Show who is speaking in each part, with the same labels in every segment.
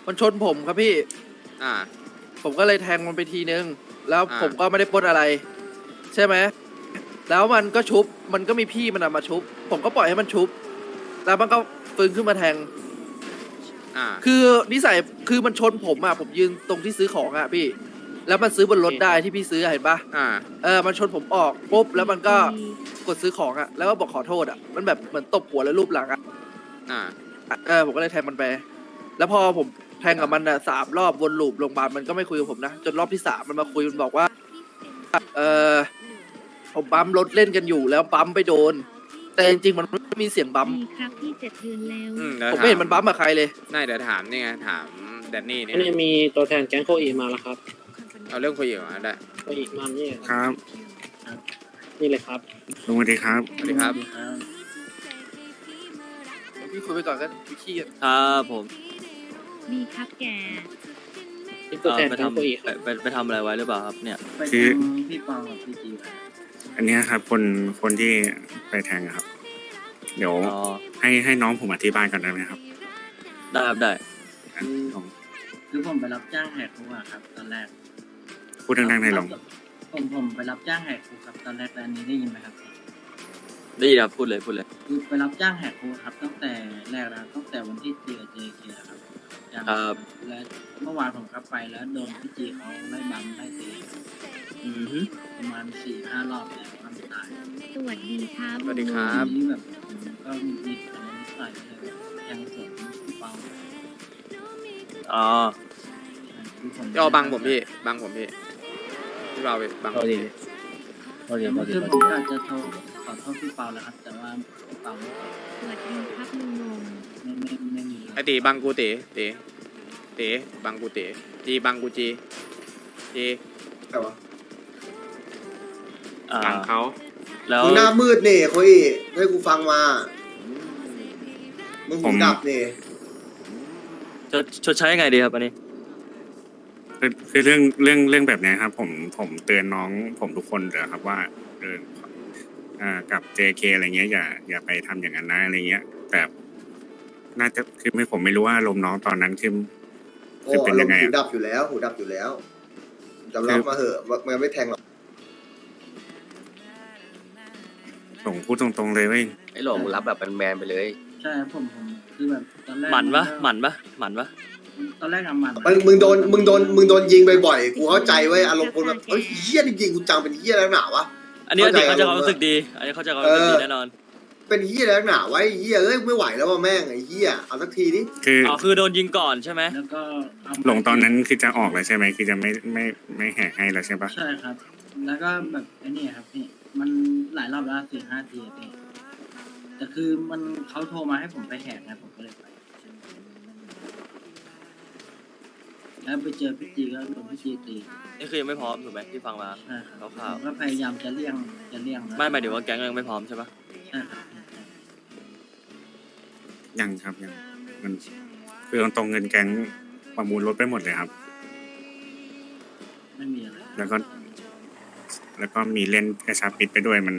Speaker 1: มันชนผมครับพี่
Speaker 2: อ่า
Speaker 1: ผมก็เลยแทงมันไปทีนึงแล้วผมก็
Speaker 2: อ่า
Speaker 1: ไม่ได้ปล้นอะไรใช่ไหมแล้วมันก็ชุบมันก็มีพี่มันมาชุบผมก็ปล่อยให้มันชุบแล้วมันก็ฟื้นขึ้นมาแทง
Speaker 2: อ่า
Speaker 1: คือนิสัยคือมันชนผมอ่ะผมยืนตรงที่ซื้อของอ่ะพี่แล้วมันซื้อบนรถได้ที่พี่ซื้อเห็นปะ
Speaker 2: อ่า
Speaker 1: มันชนผมออกปุ๊บแล้วมันก็กดซื้อของอ่ะแล้วก็บอกขอโทษอ่ะมันแบบเหมือนตบหัวแล้วรูปหลังอ่ะ
Speaker 2: อ่า
Speaker 1: ผมก็เลยแทงมันไปแล้วพอผมแทงกับมันอ่ะ3 รอบวนลูปโรงพยาบาลมันก็ไม่คุยกับผมนะจนรอบที่3มันมาคุยมันบอกว่าเออผมปั๊มรถเล่นกันอยู่แล้วปั๊มไปโดนแต่จริงๆมันไม่มีเสียงปั๊ม
Speaker 3: ดีครับพี่7 เดือนแล้ว
Speaker 2: เดี๋ยว
Speaker 1: ผมไม่เห็นมันปั๊มกับใครเลย
Speaker 2: น่าเดี๋ยวถามนี่ไงถามแดนนี่นี่
Speaker 4: อันนี้มีตัวแทนแก๊งโคอีมาแล้วครับ
Speaker 2: เอาเรื่องคุยอยู่มาได้
Speaker 4: โคอีมานี่
Speaker 5: ครับ
Speaker 4: นี่เลยครับ
Speaker 5: ลุงสวัสดีครับ
Speaker 2: สวัสดีครับ
Speaker 1: พี่คุยไปก่อนกันพี่ขี้
Speaker 6: ครับผม
Speaker 3: ดีครับแก
Speaker 4: นี่ตัวแทน
Speaker 6: ไป
Speaker 4: แก๊ง
Speaker 6: ทำ
Speaker 4: โคอีครับ
Speaker 6: ไปทำอะไรไว้หรือเปล่าครับเนี่ย
Speaker 5: คือ
Speaker 7: พี่ปองกับพี่จี
Speaker 5: อันเนี้ยครับคนที่ไปแทงอะครับ เดี๋ยว
Speaker 6: อ๋อ
Speaker 5: ให้น้องผมอธิบายก่อนได้ไหมครับ
Speaker 6: ได้ครับได้
Speaker 5: อ่ะลอง
Speaker 7: คือผมไปรับจ้างแหกคุกอะครับ ตอนแรก
Speaker 5: พูดดังๆในอยลอง
Speaker 7: ผมไปรับจ้างแหกคุกครับตอนแรกแต่อันนี้ได้ยินไหมครับ
Speaker 6: ได้ยินครับพูดเลยพูดเลย
Speaker 7: คือไปรับจ้างแหกคุกครับ ตั้งแต่แรกแล้วตั้งแต่วันที่เจอ JK ครับจ้าง
Speaker 6: ครับ
Speaker 7: และเมื่อวานผมกลับไปแล้วโดนพี่จีเขาไล่บัมไล่ตี
Speaker 6: อือฮึ
Speaker 7: ประมาณ4-5 รอบแล้วทำตาย
Speaker 3: สวัสดีครับ
Speaker 2: สวัสดีครับ
Speaker 7: ทีนี้แบบผมก็มีอะไรนิสัยเลยยังสวนพี่เปา
Speaker 6: อ๋อ
Speaker 7: คือผม
Speaker 2: ย่อบังผมพี่บังผมพี่พี่เราไปบังผมพี่
Speaker 7: คือผมอยากจะโทรขอโทษพี่เปาแล้วครับ แต่ว่าพี่เปาไม่ตอบ
Speaker 3: สวัสดีครับลุงนง
Speaker 7: ไม่มี
Speaker 2: ไอตีบังกูตีตีบังกูตีจีบังกูจี
Speaker 6: อ่า
Speaker 2: บังเขา
Speaker 6: แล้ว
Speaker 8: มึงหน้ามืดนี่โคอีให้กูฟังมา มึงหูดับนี่
Speaker 6: ชดใช้ยังไงดีครับอันนี้
Speaker 5: คือเรื่องแบบเนี้ยครับ ผมเตือนน้องผมทุกคนเลยครับว่าเออกับ JK อะไรเงี้ยอย่าไปทำอย่างนั้นนะอะไรเงี้ย แต่น่าจะคือผมไม่รู้ว่าอารมณ์น้องตอนนั้นคือ
Speaker 8: โอ้
Speaker 5: เป็น
Speaker 8: อาร
Speaker 5: ยั
Speaker 8: ม
Speaker 5: งไง
Speaker 8: ณ์หู
Speaker 5: อะ
Speaker 8: ดับอยู่แล้ว หูดับอยู่แล้วยอมรับมาเหอะมันไม่แทงหรอก
Speaker 5: ผมพูดตรงๆเลยเว้ย
Speaker 9: ไอ้หลงรับแบบแมนๆไปเลย
Speaker 7: ใช่ครับผมคือแบบตอนแรก
Speaker 6: หมันปะหมันปะหมันปะ
Speaker 7: ตอนแรกอะหมัน
Speaker 8: มึงโดนยิงบ่อยๆกูเข้าใจเว้ยอารมณ์คนแบบเฮ้ยเฮี้ยจริงๆกูจังเป็นเฮี้ยแล้วหนาวะ
Speaker 6: อันนี้เขาจะความรู้สึกดี อันนี้เขาจะความรู้สึกดีแน่นอน
Speaker 8: เป็นเฮี้ยแล้วหนาวไว้เฮี้ยเอ้ยไม่ไหวแล้วว่ะแม่งไอ้เฮี้ยเอาสักทีดิ
Speaker 5: คือ
Speaker 6: อ๋อคือโดนยิงก่อนใช่ไหม
Speaker 7: แล้วก็เอา
Speaker 5: หลงตอนนั้นคือจะออกแล้วใช่ไหมคือจะไม่แหกให้แล้วใช่ปะ
Speaker 7: ใช่ครับ แล้วก็แบบไอ้นี่ครับพี่มันหลายรอบแล้ว4-5 ทีอะพี่แต่คือมันเขาโทรมาให้ผมไปแหกนะผมก็เลยไปแล้วไปเจอพี่จีก็โดนพี่จีตี
Speaker 6: นี่คือยังไม่พร้อมถูกไหมที่ฟังมา
Speaker 7: ใช่ครับ
Speaker 6: คร่าวๆ
Speaker 7: ผมก็พยายามจะเลี่ยงนะ
Speaker 6: ไม่หมายถึงว่าแก๊งยังไม่พร้อมใช่ปะ
Speaker 7: ใช่ครับ
Speaker 5: ยังครับยังมันคือตรงๆเงินแก๊งประมูลรถไปหมดเลยครับ
Speaker 7: ไม่มีอะไร
Speaker 5: แล้วก็มีเล่นกระชับปิดไปด้วยมัน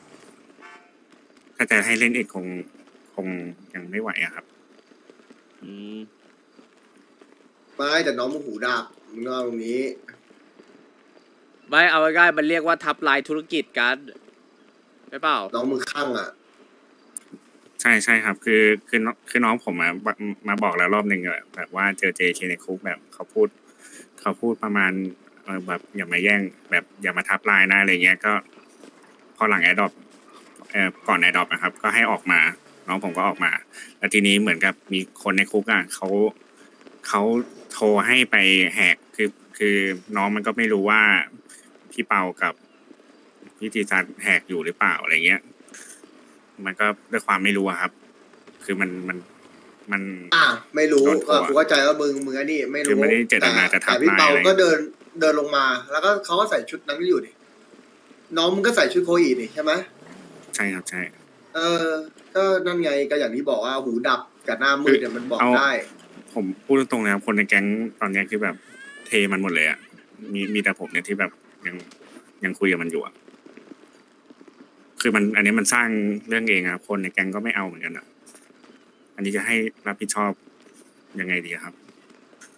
Speaker 5: ถ้าจะให้เล่นอีกคงยังไม่ไหวอะครับ
Speaker 6: อืม
Speaker 8: ไม่แต่น้องมึงหูดับมึงก็เอาตรงนี้
Speaker 2: ไม่เอาง่ายๆมันเรียกว่าทับลายธุรกิจกันใช่เปล่า
Speaker 8: น้องมึงข้างอ่ะ
Speaker 5: ใช่ครับ คือน้องผมมาบอกแล้วรอบหนึ่งอะแบบว่าเจอ JK ในคุกแบบเขาพูดประมาณแบบอย่ามาแย่งแบบอย่ามาทับลายนะอะไรเงี้ยก็พอหลังแอดดอปก่อนแอดดอปนะครับ ก็ให้ออกมา น้องผมก็ออกมา แล้วทีนี้เหมือนกับมีคนในคุกอ่ะเขาโทรให้ไปแหกคือน้องมันก็ไม่รู้ว่าพี่เปากับพี่จีซันแหกอยู่หรือเปล่าอะไรเงี้ย มันก็ด้วยความไม่รู้อะครับ คือมัน
Speaker 8: ไม่รู้
Speaker 5: โดนโทร
Speaker 8: กูเข้าใจว่ามึงอันนี้ไม่
Speaker 5: คือ
Speaker 8: รู้
Speaker 5: ไม่ได้เจตนาจะทับ
Speaker 8: แต่พี่เปา
Speaker 5: ลายอะไร
Speaker 8: ก็เดินลงมา แล้วก็เขาก็ใส่ชุดนั้นอยู่ดิน้องมึงก็ใส่ชุดโคอีนี่ใช่ไหม
Speaker 5: ใช่ครับใช่
Speaker 8: ก็นั่นไงก็อย่างที่บอกว่าหูดับกับหน้ามืดเนี่ยมันบอกได้
Speaker 5: ผมพูดตรงๆนะครับคนในแก๊งตอนเนี้ยคือแบบเทมันหมดเลยอ่ะมีแต่ผมเนี่ยที่แบบยังคุยกับมันอยู่อ่ะคือมันอันนี้มันสร้างเรื่องเองครับคนในแก๊งก็ไม่เอาเหมือนกันอ่ะ อันนี้จะให้รับผิดชอบยังไงดีครับ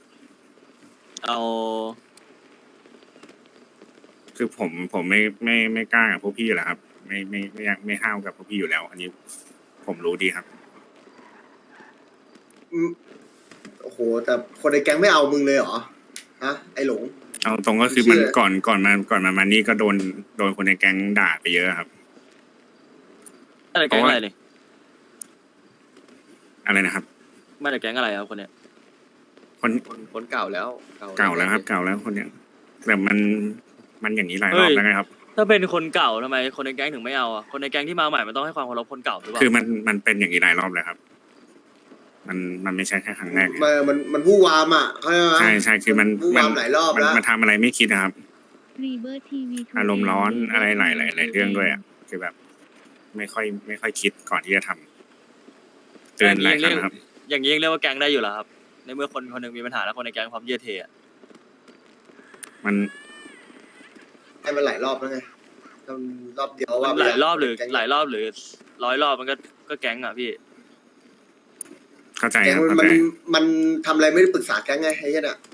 Speaker 6: เอา
Speaker 5: คือผมไม่กล้ากับพวกพี่อยู่แล้วครับ ไม่ห้าวกับพวกพี่อยู่แล้ว อันนี้ผมรู้ดีครับ
Speaker 8: โอ้โหแต่คนในแก๊งไม่เอามึงเลยเหรอฮะไอหลง
Speaker 5: เอาตรงก็คือมันก่อนมานี่ก็โดนคนในแก๊งด่าไปเยอะครับ
Speaker 6: อะไรแก๊งอะไรเนี่ย
Speaker 5: อะไรนะครับ
Speaker 6: มาจากแก๊งอะไรครับคนเนี้ย
Speaker 9: คนเก่าแล้ว
Speaker 5: เก่าแล้วครับเก่าแล้วคนเนี้ยแต่มันอย่างนี้หลายรอบแล้วไงครับ
Speaker 6: ถ้าเป็นคนเก่าทำไมคนในแก๊งถึงไม่เอาอ่ะคนในแก๊งที่มาใหม่มันต้องให้ความเคารพคนเก่าหรือเปล่า
Speaker 5: คือมันเป็นอย่างนี้หลายรอบแล้วครับ มันไม่ใช่แค่ครั้งแรกไง
Speaker 8: มันวู่วามอ่ะเข้าใจไหม
Speaker 5: ใช่คือมัน
Speaker 8: วู่วามหลายรอบแล้ว
Speaker 5: มันทำอะไรไม่คิดนะครับ
Speaker 3: รีเบอร์ทีวี
Speaker 5: อารมณ์ร้อนอะไรหลายเรื่องด้วยอ่ะคือแบบ ไม่ค่อยคิดก่อนที่จะทำเตือนหลายครั้งครับ
Speaker 6: อย่างนี้ยังเรียกว่าแก๊งได้อยู่เหรอครับในเมื่อคนคนหนึงมีปัญหาแล้วคนในแก๊งพร้อมเยื่อเทอะ
Speaker 5: มัน
Speaker 8: ให้มันหลายรอบแล้วไงทำรอบเดียวว่า
Speaker 6: หลายรอบหรือหลายรอบหรือ100 รอบมันก็แก๊งอ่ะพี่
Speaker 5: เข้าใจ
Speaker 8: แก๊ง
Speaker 5: ครับเข้าใจ
Speaker 8: มันทำอะไรไม่ได้ปรึกษาแก๊งไงไอ้เหี้ยน่ะ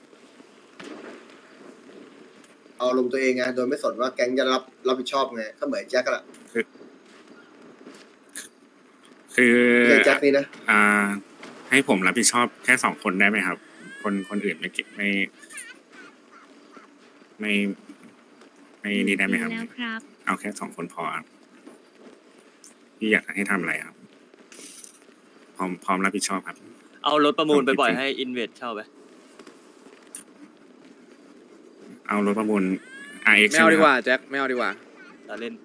Speaker 8: เอาลงตัวเองไงโดยไม่สนว่าแก๊งจะรับผิดชอบไงก็เหมือนแจ็คอะ
Speaker 5: คือ
Speaker 8: แจ็คนี่นะ
Speaker 5: ให้ผมรับผิดชอบแค่2 คนได้ไหมครับ คนอื่นไม่นี่ได้ไหมครับ
Speaker 3: แล้วครับ
Speaker 5: เอาแค่2 คนพอครับพี่อยากให้ทำอะไรครับ พร้อมรับผิดชอบครับ
Speaker 6: เอารถประมูลไปปล่อยให้อินเวสเช่าไป
Speaker 5: เอารถประมูล RX
Speaker 2: ไม่เอาดีกว่าแจ็คไม่เอาดีกว่า
Speaker 6: เราเล่น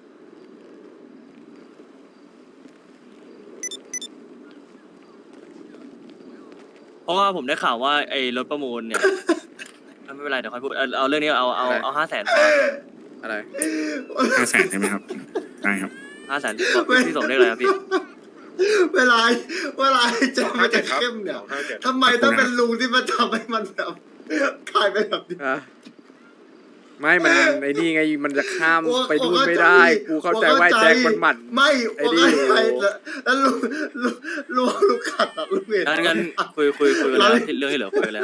Speaker 6: เพราะว่าผมได้ข่าวว่าไอ้รถประมูลเนี่ย ไม่เป็นไรเดี๋ยวค่อยพูดเอาเรื่องนี้เอา500,000พอ
Speaker 2: อะไร
Speaker 5: 500,000ใช่ไหมครับได้ครับ
Speaker 6: 500,000พี่สมเรียกอะไรครับพี่
Speaker 8: เวลาแจ็คมันจะเข้มเนี่ยทำไมต้องเป็นลุงที่มาทำให้มันแบบกลายเป็นแบบนี้
Speaker 2: อะไม่มันไอ้นี่ไงมันจะข้ามไปดูนไม่ได้ กูเข้าใจว่าไอ้แจ็คมันหมัด
Speaker 8: ไม่
Speaker 2: ไอ้นี่
Speaker 8: แล้วลุงขัดอะลุงเห็น
Speaker 6: งั้นคุยกันแล้วเรื่องที่เหลือคุยกันแล้ว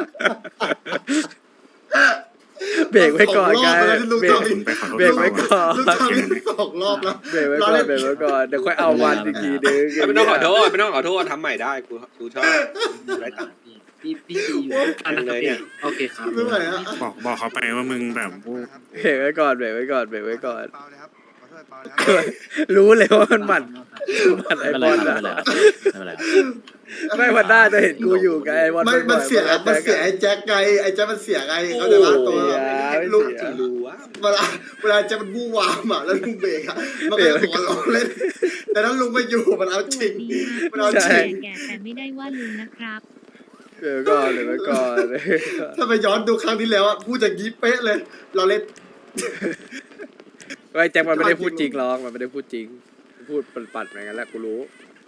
Speaker 2: เบรกไว้ก่อนไง
Speaker 8: ลุง
Speaker 2: เบรก
Speaker 8: ทำ
Speaker 5: คุณไปขอโทษ
Speaker 2: เบรกไว้ก่อน
Speaker 8: ลุงทำอีก2 รอบแล้ว
Speaker 2: เบรกไว้ก่อนเบรกไว้ก่อนเดี๋ยวค่อยเอาวันอีกทีนึง
Speaker 10: ไม่ต้องขอโทษทำใหม่ได้กูชอบได้ตังค์
Speaker 7: พี่ตีอยู่
Speaker 4: อันนะครับพี่โอเคครับ
Speaker 8: ไม่ไหวอะ
Speaker 5: บอกเขาไปว่ามึงแบบ
Speaker 2: เบรกไว้ก่อนเบรกไว้ก่อนเบรกไว้ก่อน รู้เลยว่ามันหมัดไอ้บอลอะไม่วันหน้าจะเห็นกูอยู่ไงไอ้บอล
Speaker 8: มันเสียไอ้แจ็คไงไอ้แจ็คมันเสียไงเขาใจว่าตัวลุง
Speaker 10: รู้ว่า
Speaker 8: เวลาแจ็คมันวู่วามอะแล้วลุงเบรกอะมันก็หัวเราะเล่นแต่ถ้าลุงมาอยู่มันเอาจริง มันเอาจริง
Speaker 3: แก่แต่ไม่ได้ว่าลุงนะครับ
Speaker 2: เบรกไว้ก่อนเบรกไว้ก่อน
Speaker 8: ถ้าไปย้อนดูครั้งที่แล้วอะพูดอย่างนี้เป๊ะเลย เราเล่น
Speaker 2: ไอ้แจ็คมันไม่ได้พูดจริงหรอกมันไม่ได้พูดจริงมันพูดปัดๆเหมือนกันแหละกูรู้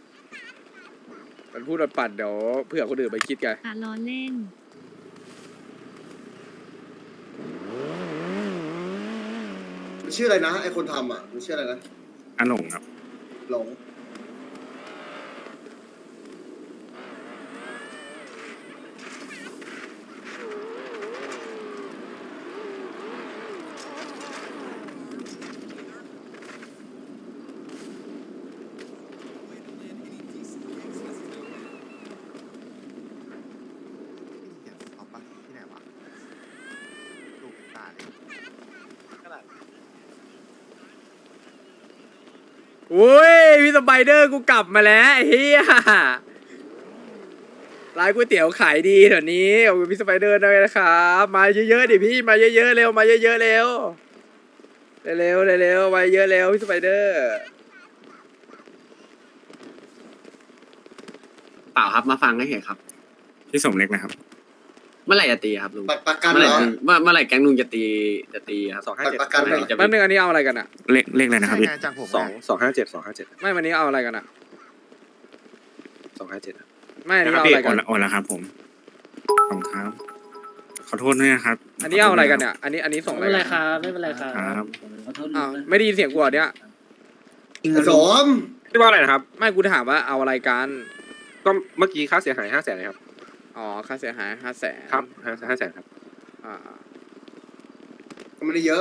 Speaker 2: มันพูดปัดๆเดี๋ยวเผื่อคนอื่นไปคิดไง
Speaker 3: ล้อเล่น
Speaker 8: ชื่ออะไรนะไอคนทำอ่ะมันชื่ออะไรนะ
Speaker 5: อาหลงครับ
Speaker 8: หลง
Speaker 2: อุ้ยพี่สไปเดอร์กูกลับมาแล้วไอ้เฮียร้านก๋วยเตี๋ยวขายดีเดี๋ยวนี้ขอบคุณพี่สไปเดอร์ด้วยนะครับมาเยอะๆดิพี่มาเยอะๆเร็วมาเยอะๆเร็วเร็วเร็วมาเยอะเร็วพี่สไปเดอร์
Speaker 4: เปล่าครับมาฟังให้เห็นครับ
Speaker 5: พี่สมเล็กนะครับ
Speaker 4: เมื่อไหร่จะตีครับลุง
Speaker 8: ประกัน
Speaker 4: เมื่อ
Speaker 8: เห
Speaker 4: ไห
Speaker 8: ร
Speaker 4: ร่
Speaker 8: อ
Speaker 4: เมื่อไหร่แก๊งลุงจะตีครับ
Speaker 8: ประกันเหรอ
Speaker 2: แป๊บนึงอันนี้เอาอะไรกันอ่ะ
Speaker 5: เลขอะไรนะครับพี่
Speaker 10: 257
Speaker 2: ไม่วันนี้เอาอะไรกันอ่ะ
Speaker 10: 257
Speaker 2: ไม่อันนี้
Speaker 5: นะครับ
Speaker 2: เอา
Speaker 5: พี่
Speaker 2: อะไรกัน
Speaker 5: โอนแล้วครับผมขอบคุณครับขอโทษด้วยนะครับ
Speaker 2: อันนี้เอาอะไรกันเนี่ยอันนี้ส่ง
Speaker 4: ไม่
Speaker 2: อะไร
Speaker 4: เป็นไร
Speaker 2: กัน
Speaker 4: ครับไม่เป็นไรครับ
Speaker 5: ครับ
Speaker 7: ขอโทษ
Speaker 2: อ้าว
Speaker 7: ลุง
Speaker 2: ไม่ได้ยินเสียงกูเหรอเนี่ย
Speaker 8: สม
Speaker 10: พี่ว่าอะไรนะครับ
Speaker 2: ไม่กูถามว่าเอาอะไรกัน
Speaker 10: ก็เมื่อกี้ค่าเสียหาย500,000เลยครับ
Speaker 2: อ๋อค่าเสียหาย500,000
Speaker 10: ครับ500,000ครับ
Speaker 2: อ่า
Speaker 8: ก็ไม่ได้เยอะ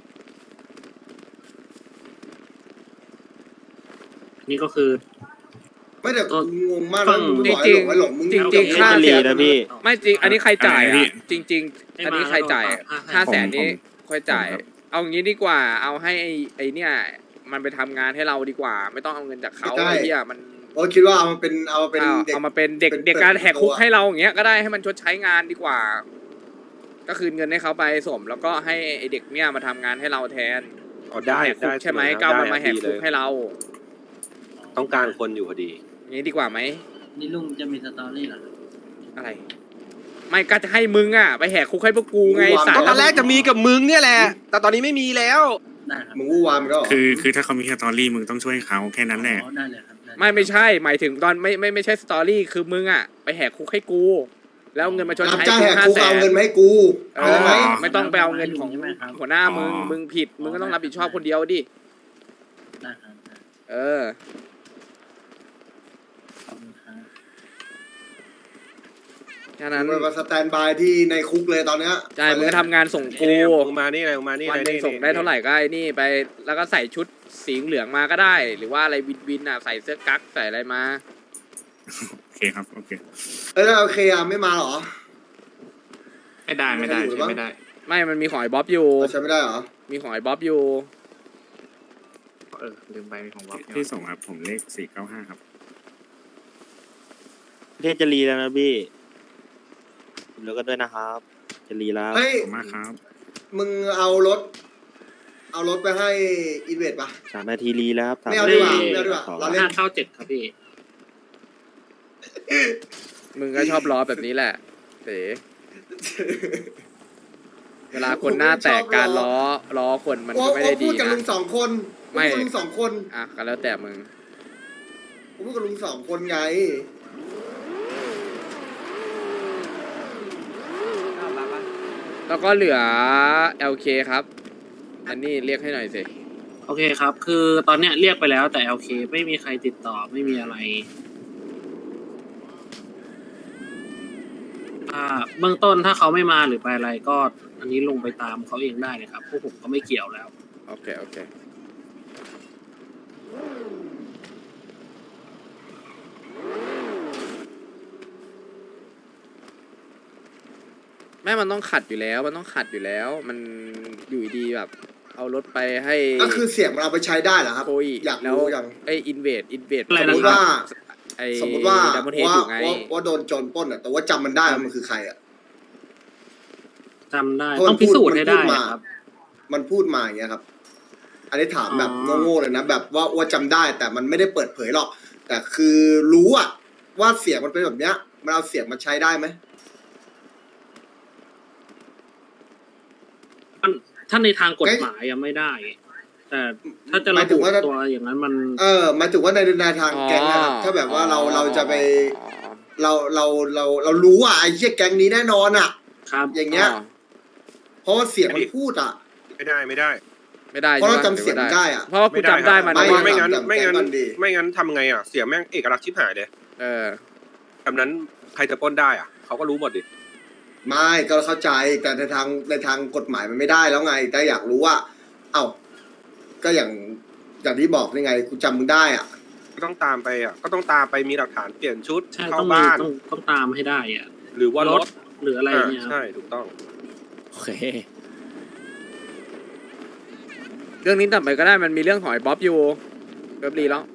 Speaker 7: นี่ก็คือ
Speaker 8: ไม่แต่งงมากนะมึงบอก
Speaker 2: จริง
Speaker 8: ไอ้หลงมึง
Speaker 2: จริงๆค่าเสีย
Speaker 7: นะพี่
Speaker 2: ไม่จริงอันนี้ใครจ่าย
Speaker 5: อะไรนะพี่
Speaker 2: อ่ะจริง ๆ อันนี้ใครจ่าย500,000นี้ค่อยจ่าย
Speaker 5: ผมครับ
Speaker 2: เอางี้ดีกว่า เอาให้ไอ้เนี่ย มันไปทำงานให้เราดีกว่า ไม่ต้องเอาเงินจากเขาไอ้เหี้ยมัน
Speaker 8: โอ้คิดว่าเอามาเป็นเด็ก
Speaker 2: เอามาเป็นเด็ก
Speaker 8: เป็น
Speaker 2: เด็กการแหกคุก
Speaker 8: ตัว
Speaker 2: ให้เราอย่างเงี้ยก็ได้ให้มันชดใช้งานดีกว่า ก็คืนเงินให้เขาไปสม แล้วก็ให้ไอ้เด็กเนี่ยมาทำงานให้เราแทน
Speaker 10: อ๋อได้
Speaker 2: แหกคุ
Speaker 10: ได้
Speaker 2: กใช่ไหม
Speaker 10: ได้
Speaker 2: ก็เอามัน
Speaker 10: ได้
Speaker 2: มาแหก
Speaker 10: ดี
Speaker 2: คุก
Speaker 10: เลย
Speaker 2: ให้เรา
Speaker 10: ต้องการคนอยู่พอดี
Speaker 2: อย่างนี้ดีกว่าไหม
Speaker 7: นี่ลุงจะมีสตอรี่เหรอ
Speaker 2: อะไร ไม่ก็จะให้มึงอ่ะไปแหกคุกให้พวกกูไงสาย
Speaker 10: ก็ตอนแรกจะมีกับมึงเนี่ยแหละ แต่ตอนนี้ไม่มีแล้ว
Speaker 7: ได้ครับ
Speaker 8: มึงวู่วามก็
Speaker 5: คือถ้าเขามีสตอรี่มึงต้องช่วยเขาแค่นั้นแหละ
Speaker 7: อ๋อได้เลยครับได้เลย
Speaker 2: ไม่ใช่ หมายถึงตอนไม่ใช่สตอรี่คือมึงอ่ะไปแหกคุกให้กู แล้วเอาเงินมาชด
Speaker 8: รับ
Speaker 2: ใช้
Speaker 8: จ้าง
Speaker 2: กู
Speaker 8: แหกคุกเอาเงินมาให้กู
Speaker 2: เอ
Speaker 8: เอาไหม
Speaker 2: อไม่ต้องไปเอาเงินของหัวหน้ามึง
Speaker 5: อ๋อ
Speaker 2: มึงผิดมึงก็ต้องรับผิดชอบคนเดียวดิ
Speaker 7: ได้ครับได้
Speaker 2: เออ
Speaker 7: ขอบคุณครับ
Speaker 2: แค่นั้น
Speaker 8: มึงมาสแตนบายที่ในคุกเลยตอนเนี้ย
Speaker 2: ใช่มึงก็ทำงานส่งกู
Speaker 10: มึงมานี่เลยมึงมานี่
Speaker 2: วัน
Speaker 10: เลย
Speaker 2: หนึงส่งได้เท่าไหร่ก็ไอ้นี่ไปแล้วก็ใส่ชุดสีเหลืองมาก็ได้ หรือว่าอะไรวินอ่ะใส่เสื้อกั๊กใส่อะไรมา
Speaker 5: โอเคครับโอเค
Speaker 8: แล้วโอเคอ่ะไม่มาเหรอ
Speaker 4: ไม่ได้ไม่ได้
Speaker 8: ไม่ได้
Speaker 4: ใช่ไม่ได้
Speaker 2: ไม่มันมีของไอ้บ๊อบอยู่
Speaker 8: ใช้ไม่ได้เหรอ
Speaker 2: มีของไอ้บ๊อบอยู่
Speaker 4: ลืมไปของวับ
Speaker 5: ที่ส่งครับผมเลข495ครับ
Speaker 6: ประเทศจะรีแล้วนะพี่แล้วก็ด้วยนะครับจะรีแล้ว
Speaker 8: เฮ้ย
Speaker 5: ขอบคุณมากครับ
Speaker 8: มึงเอารถไปให้อินเวสป่ะ
Speaker 6: 3 นาทีรีแล้วครับ
Speaker 8: ไม่เอาดีกว่าไม่เอาดีกว่าเราเล่น
Speaker 7: 597ครับพี่
Speaker 2: มึงก็ชอบล้อแบบนี้แหละเต๋เวลาคนหน้าแตกการล้อคนมันก็ไม่ได้
Speaker 8: พู
Speaker 2: ดี
Speaker 8: ดกับลุ
Speaker 2: นะ
Speaker 8: งสองคน
Speaker 2: ไม่
Speaker 8: พูดกับลุงสองคน
Speaker 2: อ่ะก็แล้วแต่มึง
Speaker 8: ผมพูดกับลุงสองคนไง
Speaker 2: แล้วก็เหลือ LK ครับ อันนี้เรียกให้หน่อยสิ
Speaker 7: โอเคครับ คือตอนเนี้ยเรียกไปแล้วแต่โอเค ไม่มีใครติดต่อไม่มีอะไรเบื้องต้นถ้าเขาไม่มาหรือไปอะไรก็อันนี้ลงไปตามเขาเองได้เลยครับพวกผมก็ไม่เกี่ยวแล้ว
Speaker 2: โอเคแม่มันต้องขัดอยู่แล้ว มันมันอยู่ดีแบบ เอารถไปให้
Speaker 8: ก็คือเสียงมันเอาไปใช้ได้เหรอครับ
Speaker 2: โคย
Speaker 8: อยาก
Speaker 2: แล้ว
Speaker 8: รู้อย่าง
Speaker 2: ไอ้อินเวด
Speaker 7: อะไร
Speaker 8: สม
Speaker 7: นะ
Speaker 8: มติว่า
Speaker 2: ไอ้
Speaker 8: สมมติว่า
Speaker 2: ดัมเบิลเฮด
Speaker 8: ว่า
Speaker 2: อยู่ไง
Speaker 8: ว่าโดนโจรปล้นอ่ะแต่ว่าจำมันได้ว่ามันคือใครอ่ะ
Speaker 7: จำได้
Speaker 8: เพราะ
Speaker 7: ต้องพิสูจน์ให้ได้
Speaker 8: มันพูดมา
Speaker 7: ครับ
Speaker 8: มันพูดมาอย่างเงี้ยครับ อันนี้ถามแบบ
Speaker 7: อ๋อ
Speaker 8: โง่ๆเลยนะแบบว่าจำได้ แต่มันไม่ได้เปิดเผยหรอก แต่คือรู้อ่ะว่าเสียงมันเป็นแบบเนี้ย มันเอาเสียงมาใช้ได้ไหม
Speaker 7: ถ้าในทางกฎหมายยังไม่ได้ แต่ถ้าจะ
Speaker 8: ห
Speaker 7: ระ
Speaker 8: มายถึ
Speaker 7: บุ
Speaker 8: งว่า
Speaker 7: ตัวอย่างนั้นมัน
Speaker 8: หมายถึงว่าในทางแก๊งนะครับถ้าแบบว่าเราจะไปเรารู้อ่ะไอ้เหี้ยแก๊งนี้แน่นอนอ่ะ
Speaker 7: ครับ
Speaker 8: อย่างเงี้ย เพราะว่าเสียงมันพูดอ่ะ
Speaker 10: ไม่ได้
Speaker 2: ไม่ได้
Speaker 8: เพราะเรา
Speaker 2: ใช่ป
Speaker 8: จำเสียงได้อะ
Speaker 2: เพราะว่ากูจำได้มัน
Speaker 8: ไม่
Speaker 2: ว่า
Speaker 10: ไม่งั้น
Speaker 8: จำ
Speaker 10: ไม่งั้น
Speaker 8: จำก่อนดี
Speaker 10: ไม่งั้นทำไงอ่ะเสียแม่งเอกลักษณ์ชิบหายเลย
Speaker 2: เออ
Speaker 10: แบบนั้นใครจะปล้นได้อ่ะเขาก็รู้หมดดิ
Speaker 8: ไม่ก็เข้าใจแต่ในทางกฎหมายมันไม่ได้แล้วไง แต่อยากรู้ว่า เอ้าก็อย่างที่บอกนี่ไงกูจำมึงได้อ่ะ
Speaker 10: ก็ต้องตามไปอ่ะก็ต้องตามไปมีหลักฐานเปลี่ยนชุด
Speaker 7: ใช่
Speaker 10: เข้า
Speaker 7: ต้องมี
Speaker 10: บ้าน
Speaker 7: ต้องตามให้ได้อะ
Speaker 10: หรือว่ารถ
Speaker 7: หรืออะไรเนี่ยครับ
Speaker 10: ใช่ถูกต้อง
Speaker 6: โอเค
Speaker 2: เรื่องนี้ต่อไปก็ได้มันมีเรื่องของไอ้บ๊อบอยู่เรียบรีแล้ว